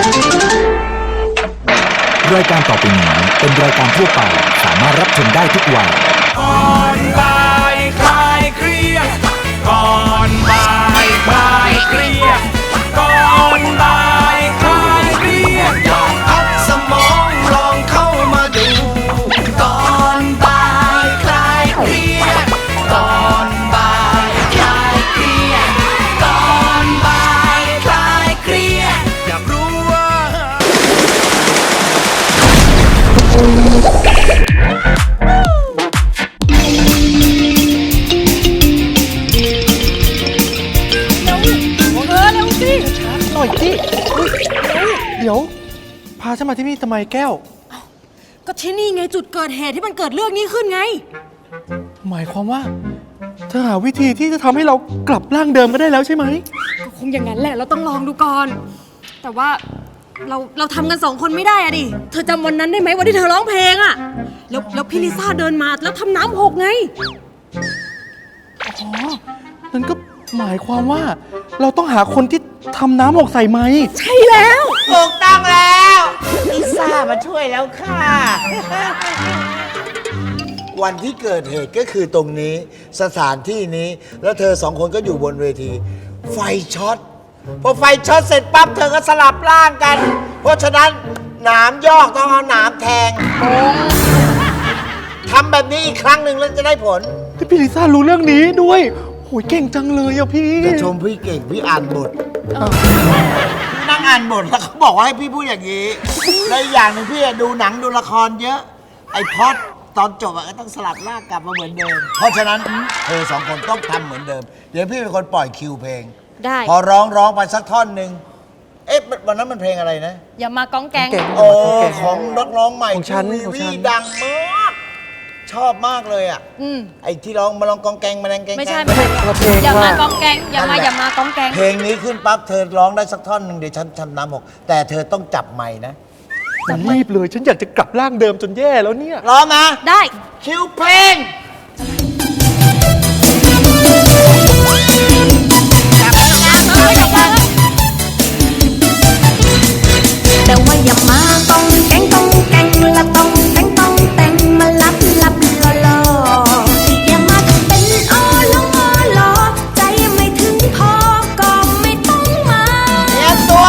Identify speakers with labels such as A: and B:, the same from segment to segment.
A: รายการต่อไปนี้เป็นรายการทั่วไปสามารถรับชมได้ทุกวัย
B: ก่อนบ่ายคลายเครียดก่อนบ่ายคลายเครียดก่อนบ่ายคลายเครียดลองพักสมองลองเข้ามาดูก่อนบ่ายคลายเครียดก่อนบ่ายคลายเครียดก่อนบ่ายคลายเครียดอยากรู้ว่า
C: หน่อยสิเดี๋ยวพาฉันมาที่นี่ทำไมแก้ว
D: ก็ที่นี่ไงจุดเกิดเหตุที่มันเกิดเรื่องนี้ขึ้นไง
C: หมายความว่าเธอหาวิธีที่จะทำให้เรากลับร่างเดิมก็ได้แล้วใช่ไหม
D: ก็คงอย่างนั้นแหละเราต้องลองดูก่อนแต่ว่าเราทำกัน2 คนไม่ได้อะดิเธอจำวันนั้นได้ไหมวันที่เธอร้องเพลงอะแล้วพี่ลิซ่าเดินมาแล้วทำน้ำหกไง
C: อ๋อนั่นก็หมายความว่าเราต้องหาคนที่ทำน้ำหกใส่ไหม
D: ใช่แล้ว
E: ถูกต้องแล้วลิซ่ามาช่วยแล้วค่ะ วันที่เกิดเหตุก็คือตรงนี้สถานที่นี้แล้วเธอ2 คนก็อยู่บนเวทีไฟช็อตพอไฟช็อตเสร็จปั๊บเธอก็สลับร่างกัน เพราะฉะนั้นหนามยอกต้องเอาหนามแทงทำแบบนี้อีกครั้งหนึ่งแล้วจะได้ผล
C: พี่ลิซ่ารู้เรื่องนี้ด้วยโหยเก่งจังเลยอ่ะพี่
E: จะชมพี่เก่งพี่อ่านบทพี่นั่งอ่านบทแล้วเขาบอกว่าให้พี่พูดอย่างนี้และอีกอย่างหนึ่งพี่ดูหนังดูละครเยอะไอ้พอดตอนจบก็ต้องสลับร่างกลับมาเหมือนเดิมเพราะฉะนั้นเธอ2 คนต้องทำเหมือนเดิมเดี๋ยวพี่เป็นคนปล่อยคิวเพลง
D: ได้
E: พอร้องไปสักท่อนหนึ่งเอ๊ะวันนั้นมันเพลงอะไรนะ
D: อย่ามากองแกง
E: โอ้ของนักร้องใหม่ของฉันดังมากชอบมากเลยอ่ะไอ้ที่ร้องมาลองกองแกงมาแรงแกง
D: ไม่ใช่อย่ามากองแกงอย่ามากองแกง
E: เพลงนี้ขึ้นปั๊บเธอร้องได้สักท่อนหนึ่งเดี๋ยวฉันทำน้ำหกแต่เธอต้องจับไมค์นะ
C: รีบเลยฉันอยากจะกลับร่างเดิมจนแย่แล้วเนี่ย
E: ร้องนะ
D: ได้
E: คิวเพลง
F: แต่ว่าอย่ามาต้องแกงละต้องแต่งมาลับลออย่ามาทำเป็นอ้อลอใจไม่ถึงพอก็ไม่ต้องมา
E: เตรียมตัว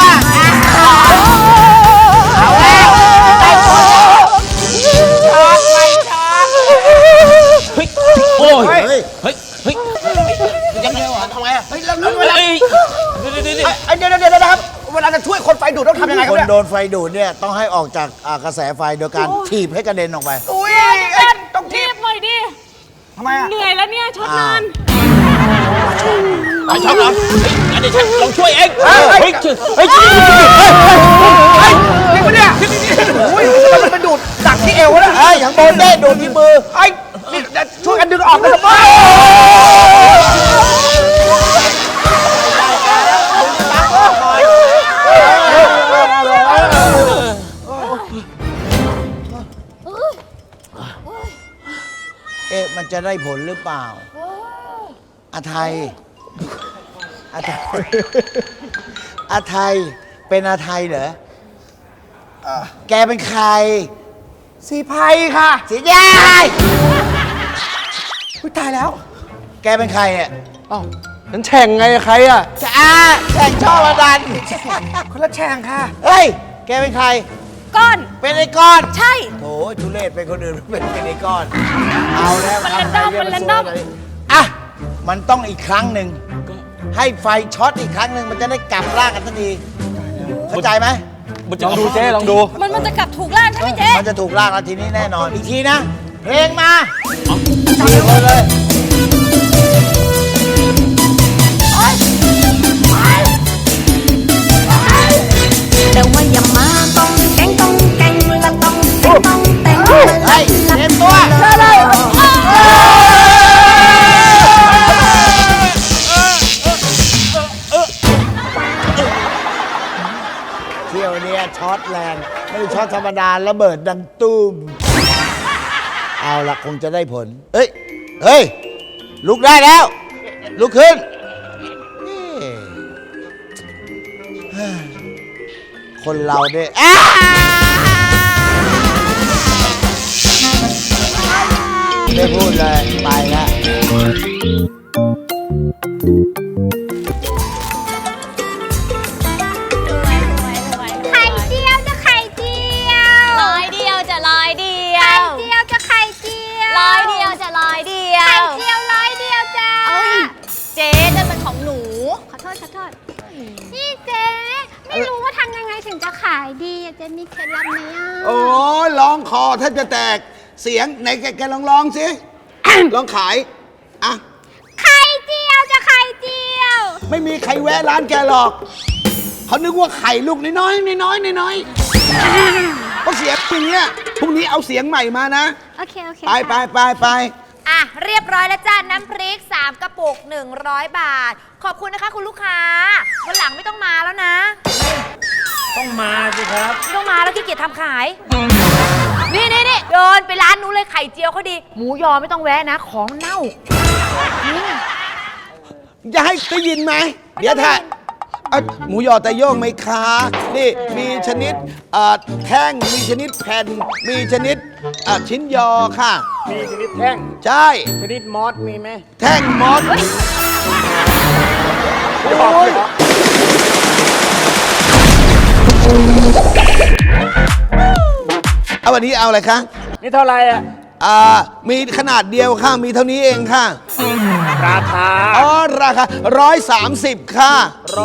E: เอาแล้วได้ผลช็อตไปช็อต
B: เฮ้ยโอ้ยเฮ้ย
E: ยังไงวะทำไงอ่ะเฮ้ยแล้ว
B: เวลา
E: เดี๋ยวนะครับเวลาจะช่วยคนไฟดูดต้องทำยังไงครับเนี่ยคนโดนไฟดูดเนี่ยต้องให้ออกจากกระแสไฟโดยการถีบให้กระเด็นออกไป
D: อุ้ยต้องถีบหน่อยดิ
E: ทำไมอ่ะ
D: เหนื่อยแล้วเนี่ยช็อตนาน
B: ช็อตเหรองั้นเดี๋ยวฉันลองช่วยเอง
E: นี่ปะเนี่ยโอ้ยมันไปดูดดักที่เอวแล้วอย่างโดนเด้โดนที่มือนี่ช่วยกันดึงออกกันทำไมมันจะได้ผลหรือเปล่าอาไทยเป็นอาไทยเหรอแกเป็นใครสีไพค่ะสีแดงตายแล้วแกเป็นใครอ่ะ
C: ฉันแช่งไงใครอ่ะ
E: แช่งช่อมาดันคนละแช่งค่ะเฮ้ยแกเป็นใคร
D: ก้อน
E: เป็นไอ้ก้อน
D: ใช่
E: โถทุเรศเป็นคนอื่นเป็นไอ้ก้อนเอาแล้ว
D: มันแรนดอม
E: อ่ะมันต้องอีกครั้งหนึ่งให้ไฟช็อตอีกครั้งหนึ่งมันจะได้กลับร่างกันทันทีเข้าใจไหม
C: ลองดูเจ๊ลองดู
D: มันจะกลับถูกร่างใช่ไหมเจ๊
E: มันจะถูกร่างแล้วทีนี้แน่นอนอีกทีนะเพลงมาจับเลย
F: แต่ว่าอย่ามาต้องแกงละต้องแต่งมาลับ
E: เตรียมตัวเที่ยวนี้ช็อตแรงไม่ได้ช็อตธรรมดาระเบิดดังตุ้มเอาละคงจะได้ผลเฮ้ยลุกได้แล้วลุกขึ้นคนเราเนี่ยไม่พูดเลยไปแล้ว
F: ไข่เจียวจะไข่เจียว
G: ร้อยเดียวจะร้อยเดีย
F: ไข่
G: ว
F: เจียวจะไข่เจียว
G: ร้อยเดียวจะร้อยเดีย
F: ไข่
G: ว
F: เจียวร้อยเดียวจ้า
G: เอ้ยเจ๊นั่นมันของหนู
F: ขอโทษขอโทษนี่เจ๊ไม่รู้ว่าทำยังไงถึงจะขายดีอะเจ๊มีเคล็ดลับไหมอ่ะ
E: โอ้ยร้องคอแทบจะแตกเสียงไหนแกร้องสิ ร้องขายอ่ะ
F: ไข่เจียวจะไข่เจียว
E: ไม่มีใครแวะร้านแกหรอก เขานึกว่าไข่ลูกน้อยๆน้อยๆน้อยๆก็เสียงอย่างเงี้ยพรุ่งนี้เอาเสียงใหม่มานะ
F: โอเคโอเค
E: ไป
G: อ่ะ เรียบร้อยแล้วจ้าน้ำพริก 3 กระปุก 100 บาท ขอบคุณนะคะคุณลูกค้าวันหลังไม่ต้องมาแล้วนะ
B: ต้องมาสิครับ
G: ไม่ต้องมาแล้วขี้เกียจทำขาย นี่เดินไปร้านนู้นเลยไข่เจียวเขาดี หมูยอไม่ต้องแวะนะ ของเน่า
E: จะให้ได้ยินไหม เดี๋ยวถ้าหมูยอแต่โย่งไหมคะ นี่มีชนิดแท่ง มีชนิดแผ่น มีชนิดชิ้นยอค่ะ
B: มีชนิดแท่ง
E: ใช่
B: ชนิดมอสมีไหม
E: แท่งมอส
B: หยอกหยอก
E: เอาวันนี้เอาอะไรคะ
B: นี่เท่าไหร่อ่ะ
E: มีขนาดเดียวค่ะ มีเท่านี้เองค่ะ
B: ราคา
E: อ๋อ ราคา130 ค่ะ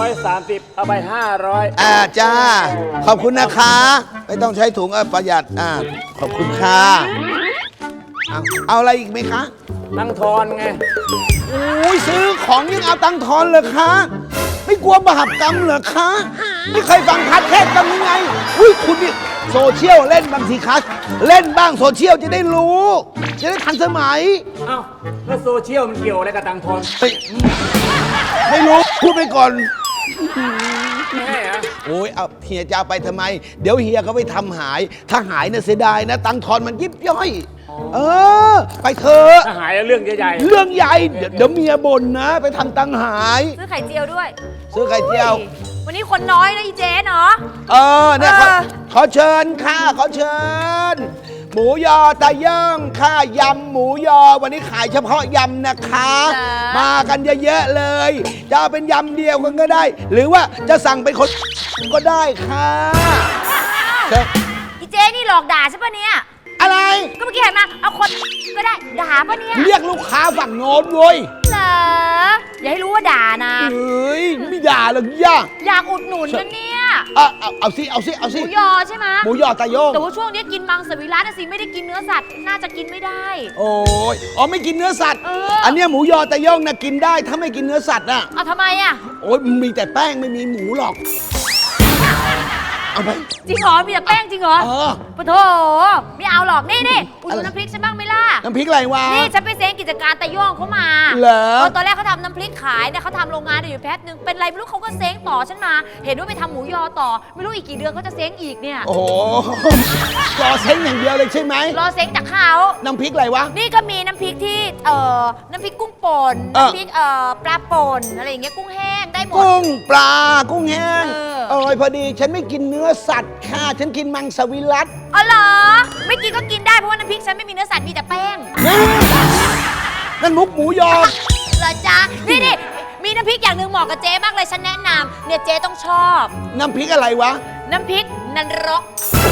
B: 130 เอาไป 500
E: จ้า ขอบคุณนะคะ ไม่ต้องใช้ถุงประหยัดขอบคุณค่ะเอาอะไรอีกไหมคะ
B: ตั้งทอนไง
E: โอ้ยซื้อของยังเอาตังค์ทอนเลยคะ ไม่กลัวบาปกรรมเหรอคะ ไม่เคยฟังคัดเทศกันยังไง อุ้ยคุณนี่โซเชียลเล่นบางทีคัสเล่นบ้างโซเชียลจะได้รู้ จะได้ทันสมัย
B: เอ้า แล้วโซเชียลมันเกี่ยวอะไรกับตังทอน
E: ไม่รู้ พูดไปก่อน
B: ไม่ให้อะ
E: โอ้ยเอาเฮียจะเอาไปทำไม เดี๋ยวเฮียเขาไปทำหาย ถ้าหายเนี่ยเสียดายนะ ตังค์ทอนมันยิบย่อย ไปเถอะ
B: ถ้าหายแล้วเรื่องใหญ่
E: เรื่องใหญ่ เดี๋ยวเมียบ่นนะ ไปทำตังค์หาย
G: ซื้อไข่เจียวด้วย
E: ซื้อไข่เจียว
G: วันนี้คนน้อยนะอีเจ๊เนาะ
E: เนี่ยขอเชิญค่ะ ขอเชิญ หมูยอตะย่างค่ะยำหมูยอ วันนี้ขายเฉพาะยำนะคะ
G: จ้ะ
E: มากันเยอะๆเลย จะเอาเป็นยำเดียวกันก็ได้ หรือว่าจะสั่งเป็นคนก็ได้ค่ะเชิญ
G: อีเจ๊นี่หลอกด่าใช่ปะเนี่ย
E: อะไร
G: ก็เมื่อกี้เห็นมาเอาคนก็ได้ด่าปะเนี่ย
E: เรียกลูกค้าฝั่งโน้นเว้ย
G: เหรออย่าให้รู้ว่าด่านะ
E: เฮ้ย ไม่ด่าหรอกย่า
G: อยากอุดหนุนนะเนี่ย
E: เอาสิ
G: หมูยอใช่ไหม
E: หมูยอตะโยง
G: แต่ว่าช่วงนี้กินมังสวิรัตนะสิไม่ได้กินเนื้อสัตว์น่าจะกินไม่ได้
E: โอ้ยไม่กินเนื้อสัตว์
G: เอออั
E: อันเนี้ยหมูยอตะโยงนะกินได้ ถ้าไม่กินเนื้อสัตว์น่ะ
G: เอาทำไมอ่ะ
E: โอ้ยมีแต่แป้งไม่มีหมูหรอก เอาไป
G: จริงเหรอมีแต่แป้งจริงเหรอ ปะโถไม่เอาหรอกนี่อุดหนุนน้ำพริกฉันบ้างไหมล่ะ
E: น้ำพริกอะไรวะ
G: นี่ฉันไปเซ้งกิจการตะย่องเขามา
E: เหรอ
G: ตอนแรกเขาทำน้ำพริกขายเนี่ยเขาทำโรงงานอยู่แป๊บนึงเป็นไรไม่รู้เขาก็เซ้งต่อฉันมา เห็นว่าไปทำหมูยอต่อ ไม่รู้อีกกี่เดือนเขาจะเซ้งอีกเนี่ย
E: โอ้โหรอเซ้งอย่างเดียวเลยใช่ไหม
G: รอเซ้งจากเขา
E: น้ำพริกอะไรวะ
G: นี่ก็มีน้ำพริกที่น้ำพริกกุ้งป่น
E: เออ
G: น้ำพริกปลาป่นอะไรอย่างเงี้ยกุ้งแห้งได้หมด
E: กุ้งปลากุ้งแห้ง
G: เออ
E: พอดีฉันไม่กินเนื้อสัตว์ค่ะ ฉันกินมังสวิรัต
G: อ๋อเหรอไม่กินก็กินได้เพราะว่าน้ำพริกฉันไม่มีเนื้อสัตว์มีแต่แป้ง
E: นั่นมุกหมูยอ
G: เหรอจ๊ะนี่มีน้ำพริกอย่างหนึ่งเหมาะกับเจ๊มากเลยฉันแนะนำเนี่ยเจ๊ต้องชอบ
E: น้ำพริกอะไรวะ
G: น้ำพริกนันรก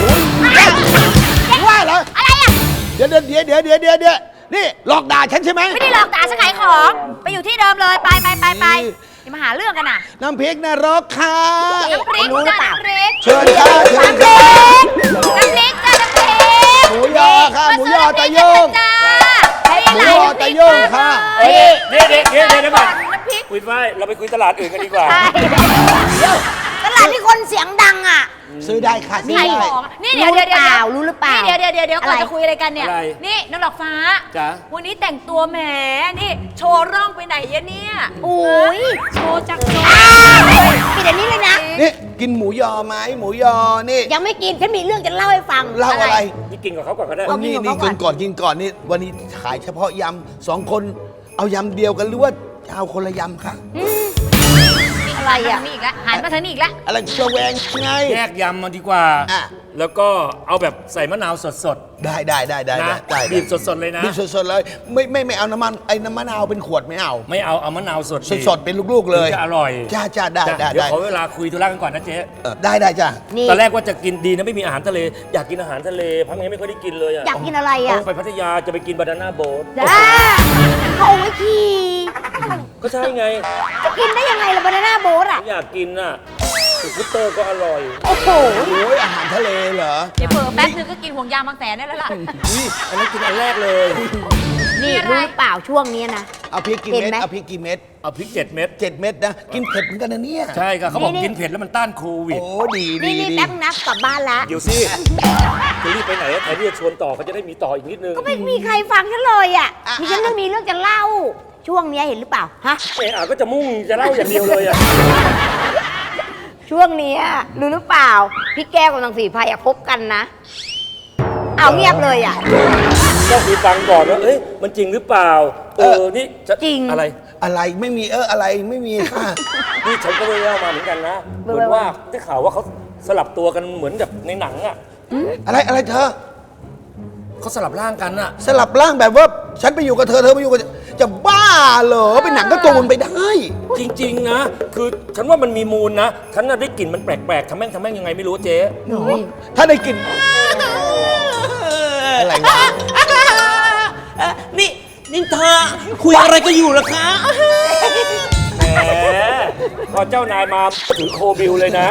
E: ว่าเหรอ
G: อะไรอ่ะ
E: เดี๋ยวนี่หลอกด่าฉันใช่ไหม
G: ไม่ได้หลอกด่าฉันขายของ ไปอยู่ที่เดิมเลยไปอย่ามาหาเรื่องกันน่ะ
E: น้ำพริกนรกค่ะ
G: น้ำพริกจ้าน้ำพริก
E: เชิญค่ะเชิญ
G: น้ำพ
E: ค่ะ
G: ริกจ้าน้ำพริก
E: หมูยอค่ะหมูยอตะโยง
G: จ้า
E: หมูยอตะโยงค่ะ
B: ๆเฮ้ยเดี๋ยวก่อน
G: น้ำพริก
B: คุยไว้เราไปคุยตลาดอื่นกันดีกว่า
F: ตลาดที่คนเสียงดังอ่ะ
E: ซื้อได้ค่ะซื้อ
G: ขาย
E: ได้
G: ของนี่
F: รู้
G: เดี๋ยว
F: หรือเปล่ารู้หรือเปล่า
G: นี่เดี๋ยวก่อน
F: อะไร
G: จะคุยอะไรกันเนี่ย
B: อะไร
G: นี่น้องดอกฟ้า
B: จ๊ะ
G: วันนี้แต่งตัวแหมนี่โชว์ร่องไปไหนยะเนี่ย
F: โอ้ย
G: โชว์จากโชว์
F: ปิดอันนี้เลยนะ
E: นี่กินหมูยอไหมหมูยอนี่
F: ยังไม่กิน ฉันมีเรื่องจะเล่าให้ฟัง
E: เล่าอะไร
B: นี่กินกับเขาก่อนก็ได้
F: เอา
E: นี่
F: กิน
E: นี่
F: ของเขาก่
E: กิ
F: อน
E: นก่อนกินก่อนนี่วันนี้ขายเฉพาะยำ2 คนเอายำเดียวกันหรือว่าจะเอาคนละยำคะ
F: อ
G: อะไรอ่ะนี่อีกแล้วหันมาทางนี้อีกแล้ว
E: อะไรระแวงไง
B: แยกยำมันดีกว่า
E: อ่ะ
B: แล้วก็เอาแบบใส่มะนาวสด
E: ได้
B: ๆนะบีบสดๆเลยนะ
E: บีบสดๆเลย ไม่เอาน้ำมันไอ้น้ำมะนาวเป็นขวดไม่เอา
B: ไม่เอามะนาวสด
E: สดๆเป็นลูกๆเลย
B: ถึงจะอร่อย
E: จ้าได้
B: เดี๋ยวขอเวลาคุยธุระกันก่อนนะเจ๊
E: ได้จ้า
G: นี่
B: ตอนแรกว่าจะกินดีนะไม่มีอาหารทะเล อยากกินอาหารทะเลพักนี้ไม่ค่อยได้กินเลยอะ
G: อยากกินอะไรอ่ะ
B: ต้องไปพัทยาจะไปกินบานาน่าโบ๊ท
G: จ้าเขาเอาไว้ขี่
B: ก็ใช่ไง
G: จะกินได้ยังไงล่ะบานาน่าโบ๊ทอ่ะ
B: อยากกินน่ะสกูตเตอร์ก็อร่อย
G: โอ้โห
E: โอ้ยอาหารทะเลเหรอ
G: เดี๋ยวเผลอแป๊บนึงก็กินห่วงยางบางแสนได้แล้วล่ะ
B: นี่อันนั้นกินอันแรกเลย
G: นี่รู้หรือเปล่าช่วงนี้นะ
E: เอาพริกกี่
G: เห็
E: เม็ด
G: นไหม
E: เอาพริกกี่เม็ด
B: เอาพริก7 เม็ด
E: 7 เม็ดนะกินเผ็ดเหมือนกันนะเนี่ย
B: ใช่ค่ะเขาบอก
G: นี่
B: กินเผ็ดแล้วมันต้านโควิด
E: โอ้ดี
G: นี่แป๊บนึงนะกลับบ้านละ
B: เดี๋ยวสิจะรีบไปไหนอะแทนที่จะชวนต่อเขาจะได้มีต่ออีกนิดนึง
G: ก็ไม่มีใครฟังฉันเลยอ่ะมีฉันมีเรื่องจะเล่า ช่วงนี้เห็นหรือเปล่าฮะ
B: ก็จะมุ่งจะเล่าอย่างเดียวเลยอะ
G: ช่วงนี้รู้หรือเปล่า พี่แก้วกับนางสีพายคบกันนะเอาเงียบเลยอ่ะ
B: ต้องมีฟังก่อนว่าเอ้ยมันจริงหรือเปล่านี่จะ
G: จริง
B: อะไร
E: อะไรไม่มีอะไรไม่มีค่ะ
B: นี่ฉันก็ไปเล่ามาเหมือนกันนะเหมือนว่าได้ข่าวว่าเขาสลับตัวกันเหมือนแบบในหนังอะ
E: อะไรเธอ
B: เขาสลับร่างกันอะ
E: สลับร่างแบบว่าฉันไปอยู่กับเธอไปอยู่กับจะบ้าเหรอเป็นหนังการ์ตูนไปได้
B: จริงๆนะ คือฉันว่ามันมีมูลนะฉันน่ะได้กลิ่นมันแปลกๆทำแม่งยังไงไม่รู้เจ๊
E: ถ้าได้กลินอะไรวะ
C: นี่เธอคุยอะไรก็อยู่ล่ะคะ
B: แหมพอเจ้านายมาถือโคบิลเลยนะ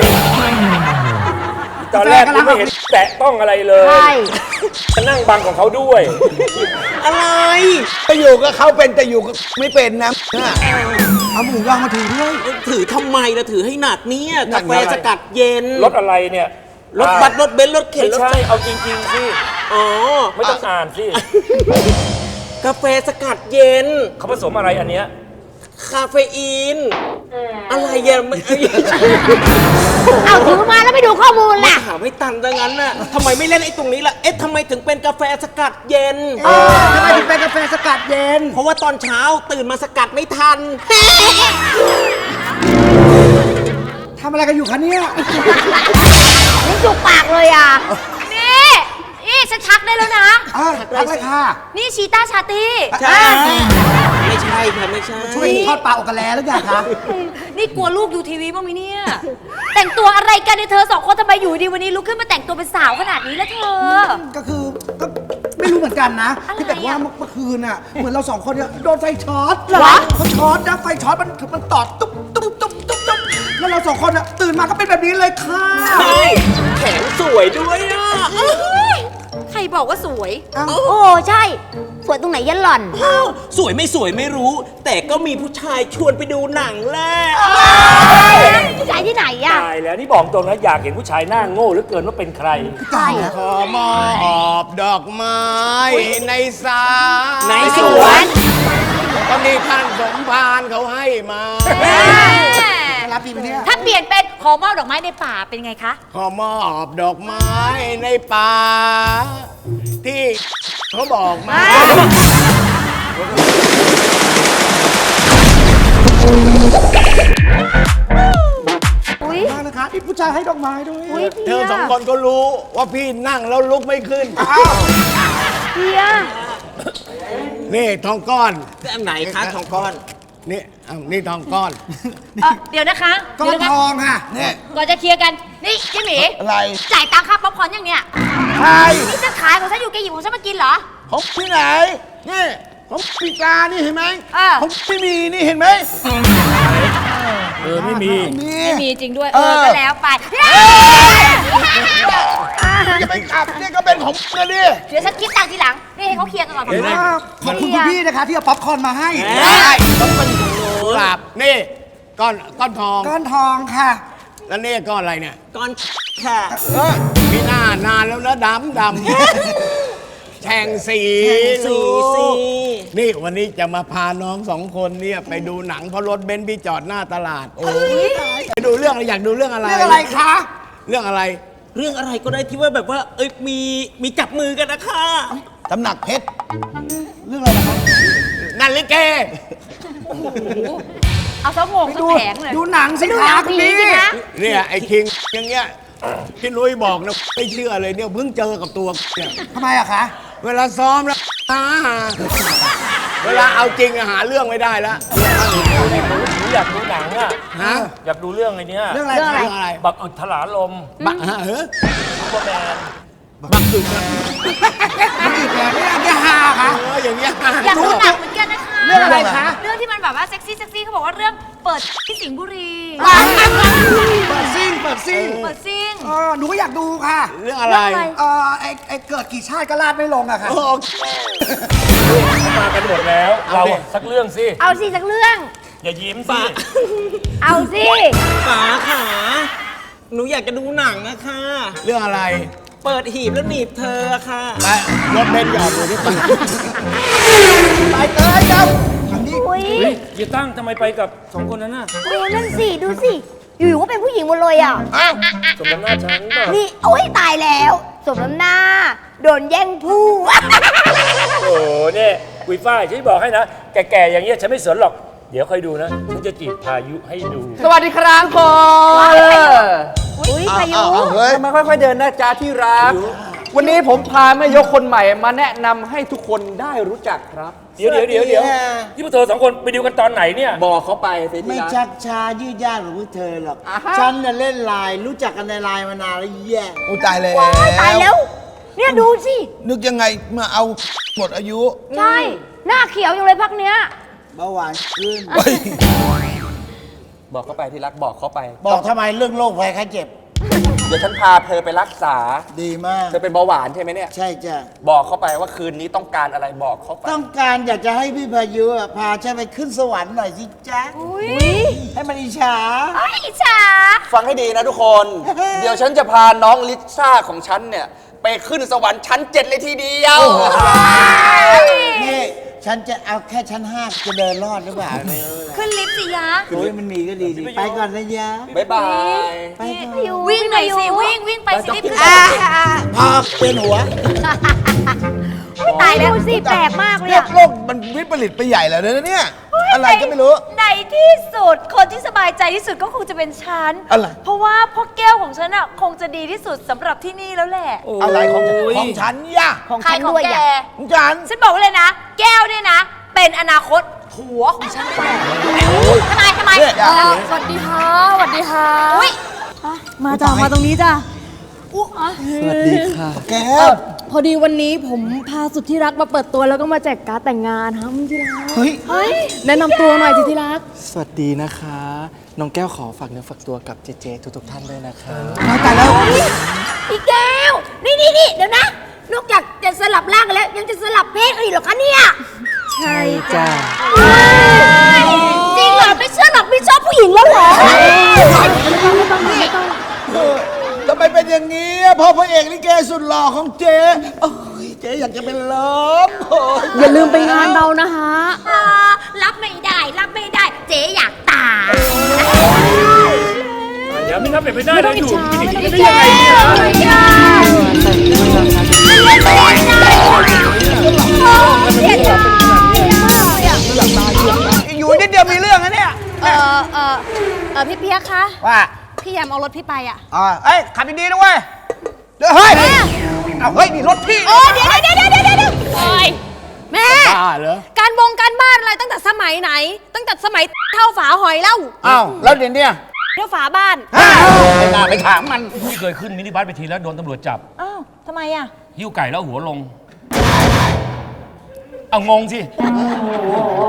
B: ตอนแรกกูไม่เห็นแตะต้องอะไรเลย
G: ใช่
B: มานั่งบังของเขาด้วย
C: อะไร
E: ไปอยู่กับเขาเป็นแต่อยู่กับไม่เป็นนะเอาหมูย่างมาถือด้วย
C: ถือทำไมล่ะถือให้หนักเนี่ย
E: หนั
C: กาก แฟ
E: อะไร
C: สกัดเย็น
B: รถอะไรเนี่ย
C: รถบัสรถเบนซ์รถเข็น
B: ไม่
C: รถ
B: ใช่เอาจริงๆสิ
C: อ๋อ
B: ไม่ต้องอ่านสิ
C: กาแฟสกัดเย็น
B: เขาผสมอะไรอันเนี้ย
C: คาเฟอีน อะไรอะไม่
G: เอาถือมาแล้วไม่ดูข้อมูลล่ะ
C: ถามให้ตันดังนั้นน่ะทำไมไม่เล่นไอ้ตรงนี้ล่ะ เอ๊ะทำไมถึงเป็นกาแฟสกัดเย็น
E: ทำไมถึงเป็นกาแฟสกัดเย็น
C: เพราะว่าตอนเช้าตื่นมาสกัดไม่ทัน
E: ทำอะไรกันอยู่คะเนี่ย
G: นี่จุกปากเลยอ่ะ นี่ฉันชักได้แล้วนะ
E: รักเลยค่ะ
G: นี่ชีต้าชาตี
C: ใช่ไม่ใช่ค่ะไม่ใช่
E: ช่วยทอดปลาอกกะแลหรือยังคะ
G: นี่กลัวลูกดูทีวีบ้างไหมเนี่ย แต่งตัวอะไรกันเนี่ยเธอสองคนทำไมอยู่ดีวันนี้ลุกขึ้นมาแต่งตัวเป็นสาวขนาดนี้แล้วเธอ
H: ก็คือก็ไม่รู้เหมือนกันนะ
G: อะไร
H: ที่แบบว่า
G: อ่ะ
H: เมื่อคืนอ่ะ เหมือนเราสองคนเนี่ยโดนไฟช็อต
G: เหรอ
H: เขาช็อตนะไฟช็อตมันตอดตุ๊บแล้วเราสองคนอ่ะตื่นมาก็เป็นแบบนี้เลยค่ะ
C: ใช่แขนสวยด้วยอ่ะ
G: ใครบอกว่าสวย โอ้ใช่ สวยตรงไหนยันหล่อน
C: อ้าวสวยไม่รู้ แต่ก็มีผู้ชายชวนไปดูหนังแหละ
G: ผู้ชายที่ไหนอ่ะ
B: ตายแล้วนี่บอกตรงนะอยากเห็นผู้ชายหน้าโง่เหลือเกินว่าเป็นใคร
G: ใช่
E: ขอมอบดอกไม้ในสา
C: ใน
G: ส
C: ส
G: ว
C: วน น
E: ตอนนี้ท่านสมภารเขาให้มา
H: รับดีไหมเนี่ย
G: ถ้าเปลี่ยนเป็นขอมอบดอกไม้ในป่าเป็นไงคะ
E: ขอมอบดอกไม้ในป่า ที่เขาบอกมา
G: อุ้ย
H: มากนะคะที่ผู้ชายให้ดอกไม้ด้วย
G: อุ้ย
E: เธอสองคนก็รู้ว่าพี่นั่งแล้วลุกไม่ขึ้น
G: เพีย
E: นี่ทองก้อน
C: อันไหนคะทองก้อน
E: นี่นี่ทองก้อน
G: เดี๋ยวนะคะ
H: ก้อ
G: เดี๋ย
H: น
G: วนะ
H: ทองค่ะ
E: เนี่ย
G: ก่อนจะเคลียร์กัน นี่เจ๊หมี
E: อะไร
G: จ่ายตังค่าป๊อปคอร์นยังเนี่ย
E: ใช่
G: นี่จะขายของฉันอยู่แกหยิบของฉันมากินเหรอ
E: ผมที่ไหน นี่ผมปีกานี่เห็นไหม ผมไม่มีนี่เห็นไหม
B: ไม่มี
G: ไม่มีจริงด้วย
E: เออ
G: ก็แล้วไป
E: จะไปขับนี่ก็เป็นของนะดิ
G: เดี๋ยวฉันคิดตังค์ทีหลัง นี่ให้เขาเคลียร์กันก่อน
E: เห็นไหม
H: ขอบคุณคุณพี่นะคะที่เอาป๊อปคอร์นมาให้
E: ได้ต้องเป็นของโน้นกลับนี่ก้อนทอง
H: ก้อนทองค่ะ
E: แล้วนี่ก้อนอะไรเนี่ย
C: ก้อนค่ะ
E: มีหน้านานแล้วนะดำแฉ่งสี
C: สี
E: ลูกนี่วันนี้จะมาพาน้องสองคนเนี่ยไปดูหนังเพราะรถเบนซ์พี่จอดหน้าตลาด โอ้ยไปดูเรื่องอะไรอยากดูเรื่องอะไร
H: เรื่องอะไรคะ
E: เรื่องอะไร
C: เรื่องอะไรก็ได้ที่ว่าแบบว่า เอ้ยมีจับมือกันนะคะ
E: ตำหนักเพชร
H: เรื่องอะไรนะคะ
E: นั่นลิเก
G: เอาซะงงซะแผงเลย
H: ดูหนังสิ
G: ดูห
H: คะ
G: นัง
H: คุณ
G: ผี
H: พี่
G: สิคะ
E: เนี่ยไอ้คิงอย่างเงี้ยพี่นุ้ยบอกนะไม่เชื่อเลยเนี่ยเพิ่งเจอกับตัวเนี่ย
H: ทำไมอะคะ
E: เวลาซ้อมแล้วเวลาเอาจริงอะหาเรื่องไม่ได้แล้ว
I: อยากดูหนังอ่ะ
E: ฮะ
I: อยากดูเรื่องไอ้เนี้ย
H: เรื่องอะไร
E: เรื่อง
H: คะ
E: อะไร
I: บักอึดถลาลม
E: บักฮะเฮ้ย
I: ซูเปอร์แมน
E: บักอึดนะ
H: อีกแล้วเนี่ยจะหาค่ะ
E: อย่างเงี้ย
G: อยากดูหนังเหมือนกันนะคะ
H: เรื่องอะไรคะ
G: เรื่องที่มันแบบว่าเซ็กซี่เขาบอกว่าเรื่องเปิดที่สิงห์บุรี
H: เปิดซิ่ง
G: เปิดซิ่ง
H: หนูก็อยากดูค่ะ
E: เรื่องอะไร
H: ไอ้เกิดกี่ชาติก็ลาดไม่ลงอะค่ะ
E: โอ้
I: เขามากันหมดแล้ว เราอะสักเรื่องสิ
G: เอาสิสักเรื่อง
I: อย่ายิ้มสิ
G: เอาสิ
C: ป๋าขาหนูอยากจะดูหนังอะค่ะ
E: เรื่องอะไร
C: เปิดหีบแล้วหนีบเธอค่ะ
E: ไปรถเบนซ์หยอดดูที่ปาก
H: ไปเตยเจ้า
G: อุ้ย
I: เฮ้ยอย่าตั้งทำไมไปกับสองคนนั้นน่ะ
G: นั่นสิดูสิอยู่ๆก็เป็นผู้หญิงหมดเลยอ่ะ
I: สมน้ำหน้าฉันเปล่า
G: นี่โอ้ยตายแล้วสมน้ำหน้าโดนแย่งผู้
I: โอ้โหเนี่ยกุยฝ้ายฉันบอกให้นะ แก่ๆอย่างเงี้ยฉันไม่สนหรอก เดี๋ยวค่อยดูนะ ฉันจะจีบพายุให้ดู
C: สวัสดีครับคน
G: อุ้ยพายุ
C: ทำไมค่อยๆเดินนะจ๊ะที่รัก วันนี้ผมพาแม่ยกคนใหม่มาแนะนำให้ทุกคนได้รู้จักครับ
I: เดี๋ยวที่พวกเธอสองคนไปดูกันตอนไหนเนี่ย
C: บอกเขาไปสิที่
E: ไม่
C: รัก
E: ชักช้ายืดยาดของพวกเธอหรอก
C: อ่าฮะ
E: ฉันน่ะเล่นไลน์รู้จักกันในไลน์มานานแล้วแย่โอ้ตายเลย
G: ตายแล้ว เนี่ยดูสิ
E: นึกยังไงมาเอาหมดอายุ
G: ใช่ หน้าเขียวอยู่เลยพักเนี้ย
E: เบาหวานขึ้น
C: บอกเขาไปที่รักบอกเขาไป
E: บอกทำไมเรื่องโรคภัยไข้เจ็บ
C: เดี๋ยวฉันพาเธอไปรักษา
E: ดีมาก
C: เธอเป็นเบาหวานใช่ไหมเนี่ย
E: ใช่จ้ะ
C: บอกเขาไปว่าคืนนี้ต้องการอะไรบอกเขาไป
E: ต้องการอยากจะให้พี่พายุอะพาฉันไปขึ้นสวรรค์หน่อยสิจ๊ะ
G: อุ้ย
E: ให้มันอิจฉา
G: ไอ้อิจฉา
C: ฟังให้ดีนะทุกคน เดี๋ยวฉันจะพาน้องลิซ่าของฉันเนี่ย ไปขึ้นสวรรค์ชั้น 7 เลยทีเดียว
E: นี่ฉันจะเอาแค่ชั้น 5 จะเดินรอดหรือเปล่าเนี่ย
G: ขึ้นลิฟต์สิยะ
E: โอ้ยมันมีก็ดีสิไปก่อนนะยะ
C: บ๊ายบาย
E: ไปก่อน
G: วิ่งหน่อยสิวิ่งไปสิรีบขึ้น
E: พอเป็นหัว
G: ตายแล้วสิแปลกมากเลย
E: เรีย
G: อะ
E: กโลกมันวิปริตไปใหญ่แล้วนะเนี่ย อะไรก็ไม่รู้
G: ในที่สุดคนที่สบายใจที่สุดก็คงจะเป็นฉัน
E: อะไร
G: เพราะว่าพ่อแก้วของฉันอะคงจะดีที่สุดสำหรับที่นี่แล้วแหละ
E: อะไรของฉันย่ะ
G: ของฉันด้วยแก
E: ของฉัน
G: ฉันบอกไว้เลยนะ แก้วเนี่ยนะ เป็นอนาคตผัวของฉันแน่ทำไม
E: เนี่ย
D: สวัสดีค่ะสวัสดีค่ะ
G: อุ้ย
D: มาจ้ะมาตรงนี้จ้ะ
C: สวัสดีค่ะ
E: แก
D: พอดีวันนี้ผมพาสุดที่รักมาเปิดตัวแล้วก็มาแจกการ์ดแต่งงานครับที่รัก
C: เฮ้ย
D: เฮ้ยแนะนำตัวหน่อยสิที่รัก
C: สวัสดีนะคะ น้องแก้วขอฝากเนื้อฝากตัวกับเจเจทุกๆท่านด้วยนะคะ
E: ตายแล้ว
G: พี่แก้ว นี่เดี๋ยวนะ นอกจากจะสลับร่างกันแล้ว ยังจะสลับเพศกันอีกเหรอคะเนี่ย
D: ใช่
C: จ้า
G: จริงเหรอ ไม่เชื่อหรอกไม่ชอบผู้หญิงแล้วเหรอ
E: ทำไมเป็นอย่างนี้อะพ่อพระเอกลิเกสุดหล่อของเจ๊โอ้ยเจ๊อยากจะเป็นลมโอ้ย
D: อย่าลืมไปงานเรานะฮะ
G: รับไม่ได้ เจ๊อยากตาย
I: อย่าไม่นับเป็นไปได้
D: ไม่
I: เล
D: ต้อง
I: ย
D: อิ
I: อ
D: จ
I: ยู่
D: ฉา
I: กิน
D: ไม่
I: อย่าง
D: ต้อง
I: นี้
D: อิจ
I: ได้
D: ฉา
I: ยังไงเนี่ย
H: อยู่นิดเดียวมีเรื่องนะเนี่ย
D: พี่เปียกคะ
H: ว่า
D: พี่แยมเอารถพี่ไปอ่ะ
H: เอ้ยขับดีๆนะเว้ยเดี๋ยวเฮ้ยเอาเฮ้ยนี่รถพี่
D: เดี๋ยวโอ้ยแม่
E: บ้าเหรอ
D: การบ้านอะไรตั้งแต่สมัยไหน ตั้งแต่สมัยเท่าฝาหอยเล่า
E: อ้าวแล้วเดี๋ยวเนี้
D: เท่าฝาบ้าน
E: ไม่น่าไปถามมัน
I: พี่เคยขึ้นมินิบัสไปทีแล้วโดนตำรวจจับ
G: อ้าวทำไมอ่ะ
I: หิ้วไก่แล้วหัวลง เอางงสิ